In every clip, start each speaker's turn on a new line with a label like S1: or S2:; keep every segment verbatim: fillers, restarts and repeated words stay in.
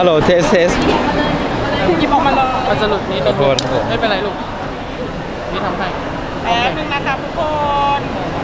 S1: ลโหลเทสเทส
S2: หยิบออกมาเลยมันจะหลุดนิด
S1: ขอโทษครับผม
S2: ไม่เป็นไรลูกนี่ทำให้แป๊บนึงนะครับทุกคน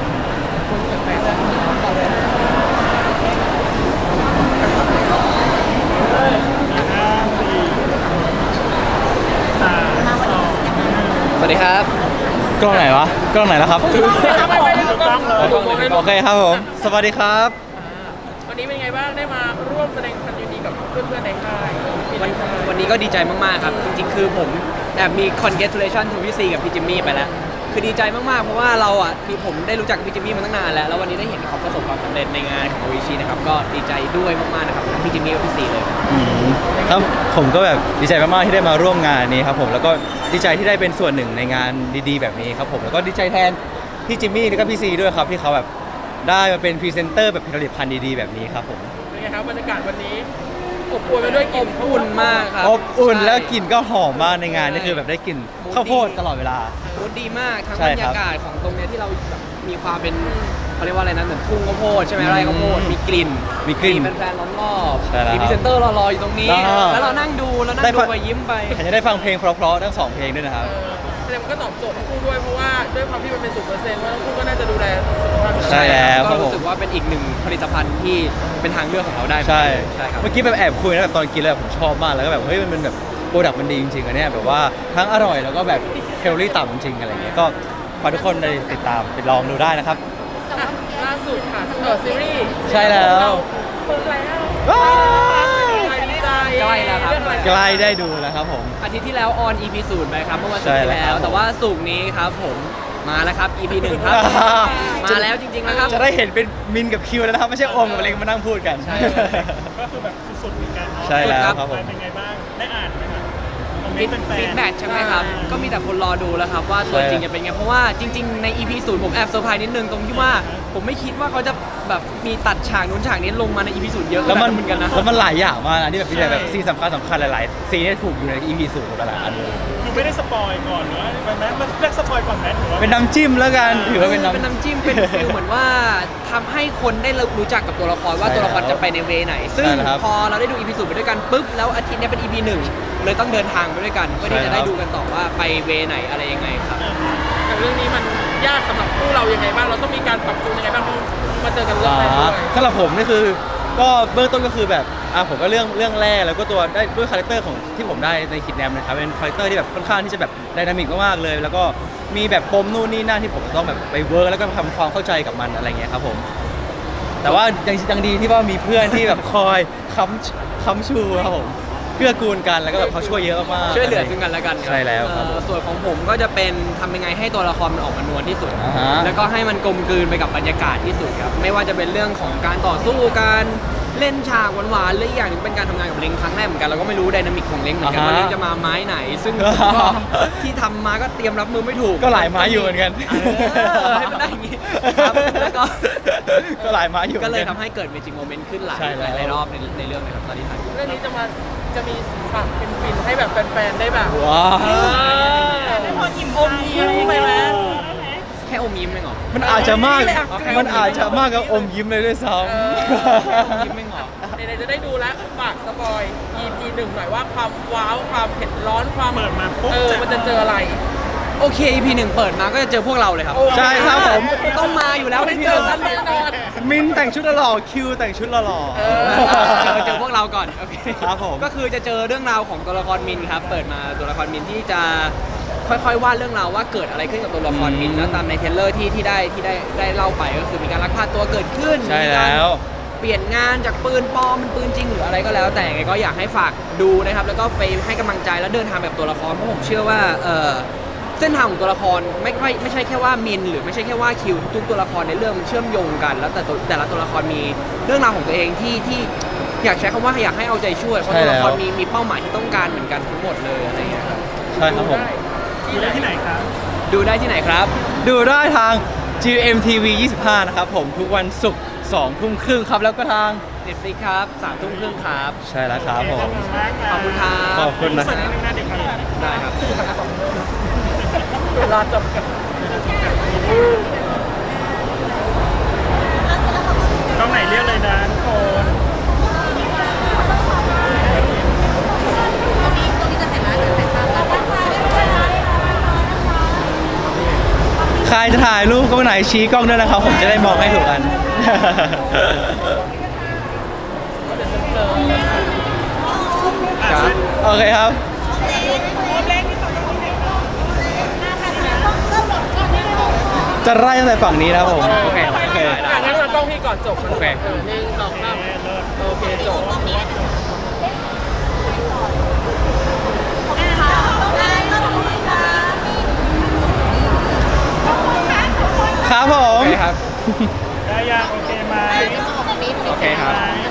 S3: สวัสดีครับ
S1: กล้องไหนวะกล้องไหนแล้วครับโอเคครับผมสวัสดีครับ
S2: วันนี้เป็นไงบ้างได้มาร่วมแสดงความยินดีกับเพื่อนๆในค่าย
S3: วันวันนี้ก็ดีใจมากๆครับ จริงๆ คือผมแอบมี congratulation to พี่ซีกับพี่จิมมี่ไปแล้ว คือดีใจมากๆ เพราะว่าเราอ่ะคือผมได้รู้จักพี่จิมมี่มาตั้งนานแล้ว แล้ววันนี้ได้เห็นเขาประสบความสำเร็จในงานของโออิชินะครับ ก็ดีใจด้วยมากๆ นะครับทั้งพี่จิมมี่และพี่ซีเลย
S1: อืมครับผมก็แบบดีใจมากๆที่ได้มาร่วมงานนี้ครับผมแล้วก็ดีใจที่ได้เป็นส่วนหนึ่งในงานดีๆแบบนี้ครับผมแล้วก็ดีใจแทนพี่จิมมี่แล้วก็พี่ซีด้วยครับที่เขาแบบได้มาเป็นพรีเซนเตอร์แบบผลิตภัณฑ์ดีๆแบบนี้ครับผม
S2: เป็นไงครับบรรยากาศวันนี้อบอวลไปด้วยกลิ่น
S3: อุ่นมากครับ
S1: อบอุ่น
S3: ใช่
S1: แล้วกลิ่นก็หอมมากในงานนี่คือแบบได้กลิ่นข้าวโพดตลอดเวลา
S3: มูดดีมากทั้ง
S1: ใช่
S3: บรร
S1: ครั
S3: ยา
S1: บ
S3: กาศของตรงเนี้ยที่เราแบบมีความเป็นเขาเรียกว่าอะไรนะเหมือนทุ่งข้าวโพดใช่ไหมไร่ข้าวโพดมีกลิ่น
S1: มีกลิ่น
S3: มีแฟนๆล้อมรอบ
S1: ใช่แล้ว
S3: มีพรีเซนเตอร์รอๆอยู่ตรงนี้
S1: อ่า
S3: แล้วเรานั่งดูแล้วนั่ง
S1: ได้
S3: ดู
S1: ฟัง
S3: ไปยิ้มไป
S1: แถมจะได้ฟังเพลงเพราะๆทั้งสองเพลงด้วยนะครับ
S2: แสดงมันก็ตอบโจทย์ทั้งคู่ด้วยเพราะว่าด้วยความที่มันเป็นสูตรเปอร์เซ็นต์ว่าทั้งคู่ก็น่าจะดูแลสุขภาพ
S1: ใช่แล้วค
S3: ก็
S1: รับผม
S3: รู้สึกว่าเป็นอีกหนึ่งผลิตภัณฑ์ที่เป็นทางเลือกของเราได้
S1: ใช่
S3: ใช่ครับ
S1: เมื่อกี้แบบแอบคุยนะแบบตอนกินแล้วแบบผมชอบมากแล้วก็แบบเฮ้ยมันเป็นแบบโปรดักต์มันดีจริงๆอันเนี้ยแบบว่าทั้งอร่อยแล้วก็แบบแคลอรี่ต่ำจริงๆอะไรเงี้ยก็ฝากทุกคนได้ติดตามไปลองดูได้นะครับ
S2: อ่ะล่าสุดค่ะเออซีรีส์
S1: ใช่แล้ว
S2: เปิดแล้ว
S1: ว้าว
S2: ดีใจ
S3: ใกล้แล้วครับ
S2: เองอะไ
S1: ใกล้ได้ดูแล้วครับผม
S3: อาทิตย์ที่แล้วออน อี พี ศูนย์ไปครับเมื่อวันศุก
S1: ใช่
S3: ร์ที่
S1: แล้ว
S3: แล้ว แต่ว่าศุกร์นี้ครับผมมาแล้วครับ อี พี หนึ่งครับ มาแล้วจริงๆนะครับ
S1: จะได้เห็นเป็นมินกับคิวแล้วนะครับไม่ใช่โอมกับเล็กมานั่งพูดกัน
S3: ใช่
S4: ก็คือแบบสุดๆเหมือนกันเนาะ
S1: ใช่แล้วครับผม
S4: เป็นไงบ้าง ได้อ่านไหมครับคอมเม
S3: ฟี
S4: น
S3: ด
S4: ต์เป็นแฟ
S3: ฟี
S4: น
S3: ดแบ็กใช่ไหมครับ ก็มีแต่คนรอดูแล้วครับว่าตัวจริงจะเป็นไง เพราะว่าจริงๆใน อี พี ศูนย์ผมแอบเซอร์ไพรส์นิดนึงตรงที่ว่าผมไม่คิดว่าเขาจะแบบมีตัดฉากนู้นฉากนี้ลงมาใน อี พี ศูนย์เยอะ
S1: แล้วมัน
S3: เหมือนกันนะ
S1: แล้วมันหลายอย่างมากนะที่แบบมีแต่แบบซีนสำคัญสำคัญหลายๆซีนที่ถูกอยู่ใน อี พี ศูนย์หมดแล้วอันนี้
S4: คือไม่ได้สปอยก่อนเนาะเป็นไหมมันเรียกสปอยก่อนไหมหรือว่า
S1: เป็นน้ำจิ้มแล้วกันถือว่าเป็น
S3: เป็น
S1: น้ำ
S3: น้ำจิ้มเป็นฟิลเหมือนว่าทำให้คนได้รู้จักกับตัวละครว่า
S1: ใช่
S3: ตัวละคร
S1: แล้ว
S3: จะไปในเวไหน ซึ่ง
S1: ใช่แล้วครับ
S3: พอเราได้ดู อี พี ศูนย์ไปด้วยกันปุ๊บแล้วอาทิตย์เนี้ยเป็น อี พี หนึ่งเลยต้องเดินทางไปด้วยกันเพื่อที่
S1: ใช่
S3: จะ
S1: แล้ว
S3: ได้ดูกันต่อว่าไปเวไหนอะไรยังไงครับ
S2: แต่เรื่องนี้มันยากสำหรับคู่เรายังไงบ้างเราต้องมีการปรับตัวยังไงบ้างเพราะมาเจอกันเรื่องแรกด้วย
S1: สำหรับผมนี่คือก็เบื้องต้นก็คือแบบอ่ะผมก็เรื่องเรื่องแรกแล้วก็ตัวได้ด้วยคาแรคเตอร์ของที่ผมได้ในคิดแนมนะครับเป็นคาแรคเตอร์ที่แบบค่อนข้างที่จะแบบไดนามิกมากๆเลย แล้วก็มีแบบปมนู่นนี่นั่นที่ผมต้องแบบไปเวิร์กแล้วก็ทำความเข้าใจกับมันอะไรเงี้ยครับผมแต่ว่ายังยังดีที่ว่ามีเพื่อนที่แบบคอยค้ำค้ำชูครับผมเกื้อกูลกันแล้วก็แบบเขาช่วยเยอะมากๆ
S3: ช่วยเหลือซึ่งกันและกัน
S1: ใช่แล้วครับ
S3: เอ่อส่วนของผมก็จะเป็นทำยังไงให้ตัวละครมันออกมานวลที่สุด
S1: อ่าฮะ
S3: แล้วก็ให้มันกลมกลืนไปกับบรรยากาศที่สุดครับไม่ว่าจะเป็นเรื่องของการต่อสู้การเล่นฉากหวานๆหรืออีกอย่างหนึงเป็นการทำงานกับเล้งครั้งแรกเหมือนกันเราก็ไม่รู้ไดนามิกของเล้งเหมือนกัน
S1: อ่าฮะ
S3: ว่าเล้งจะมาไม้ไหน ซึ่ง
S1: อ่าฮะ
S3: ก็ที่ทำมาก็เตรียมรับมือไม่ถูก
S1: ก็หลายไม้อยู่เหมือนกัน
S3: เออให้มันได้อย่างงี้ครับแล้วก็
S1: ก็หลายไม้อยู่หมื
S3: ก็
S1: อน
S3: เลย
S1: น
S3: ทำให้เกิดเมจิกโมเมนต์ขึ้นหลาย
S1: ใช่แล้ว
S3: หลายรอบในในเรื่องเลยครับตอนที่ถ่าย
S2: เรื่องนี้จะมาจะมีฉากฟินๆให้แบบแฟนๆได้แบบ
S1: ว้าว
S2: เออได้พออิ่มอมยิ้มไปไหม
S3: แค่อมยิ้มเองเหรอ
S1: มันอาจจะมาก
S3: เอาแค่
S1: มันอาจจะมากกับอมยิ้มเลยด้วยซ้
S2: เออ
S1: ำ
S3: ยิ้มเองเหรอ
S2: ไหนๆจะได้ดูแล้วฝากสปอย อี พี หนึ่งหน่อยว่าความว้าวความเผ็ดร้อนความ
S4: เปิดมาปุ๊บ
S2: เออมันจะเจออะไร
S3: โอเค อี พี หนึ่งเปิดมาก็จะเจอพวกเราเลยครับ
S1: ใช่ครับผม
S3: ต้องมาอยู่แล้ว
S2: ไม่
S3: อี พี
S2: เจ
S3: ห
S2: อ
S3: นึ่ง
S2: กันแน่นอน
S1: มินแต่งชุดหล่อๆคิวแต่งชุดหล่อๆ
S2: เอ
S3: เจอเจอพวกเราก่อนโอเค
S1: ครับผม
S3: ก็คือจะเจอเรื่องราวของตัวละครมินครับเปิดมาตัวละครมินที่จะค่อยๆวาดเรื่องราวว่าเกิดอะไรขึ้นกับตัวละครมินแล้วตามในเทรลเลอร์ที่ที่ได้ที่ได้ได้เล่าไปก็คือมีการลักพาตัวเกิดขึ้น
S1: ใช่
S3: มีการ
S1: แล้ว
S3: เปลี่ยนงานจากปืนปลอมเป็นปืนจริงหรืออะไรก็แล้ว แต่ยังไงก็อยากให้ฝากดูนะครับแล้วก็ไปให้กำลังใจแล้วเดินทางแบบตัวละครเพราะผมเชื่อว่าเออเส้นทางของตัวละครไม่ไม่ไม่ใช่แค่ว่ามินหรือไม่ใช่แค่ว่าคิวทุกตัวละครในเรื่องมันเชื่อมโยงกัน แล้วแต่ตัวแต่ละตัวละครมีเรื่องราวของตัวเองที่ที่อยากใช้คำว่าอยากให้เอาใจช่วยเพราะตัวละครมีมีเป้าหมายที่ต้องการเหมือนกันทั้งหมดเลยอะไรอย่างเงี้ยครับ
S1: ใช่ครับผม
S4: อยู่ได้ที่ไหนครับ
S3: ดูได้ที่ไหนครับ
S1: ดูได้ทาง จี เอ็ม ที วี ยี่สิบห้า นะครับผมทุกวันศุกร์สองทุ่มครึ่งครับแล้วก็ทาง
S3: Netflix ครับสามทุ่มครึ่งครับ
S1: ใช่แล้วครับผม
S3: ขอบคุณครับ
S1: ขอบคุณนะ
S4: เสิร์ฟนิดนึงนะเดี๋ยวครับ
S3: ได้ครับ
S2: เวลาจำกัด
S4: กล้องไหนเรียกเลยนะทุกคน
S1: จะถ่ายรูปก็ไหนชี้กล้องด้วยนะครับ ผมจะได้มองให้ถูกกัน
S3: ครับ
S1: โอเคครับ จะไล่ตั้งแต่ฝั่งนี้นะครับผม
S3: โอเค
S1: โอเค
S2: อ่ะงั้นเรากล้องพี่ก่อนจบมัน
S3: โอเค
S2: เออหนึ่งสองสามโอเคจบ
S1: ครับผม
S3: โอเคครับ
S4: ได้ยังโอเคไหม
S3: โอเคครับ
S4: ไหม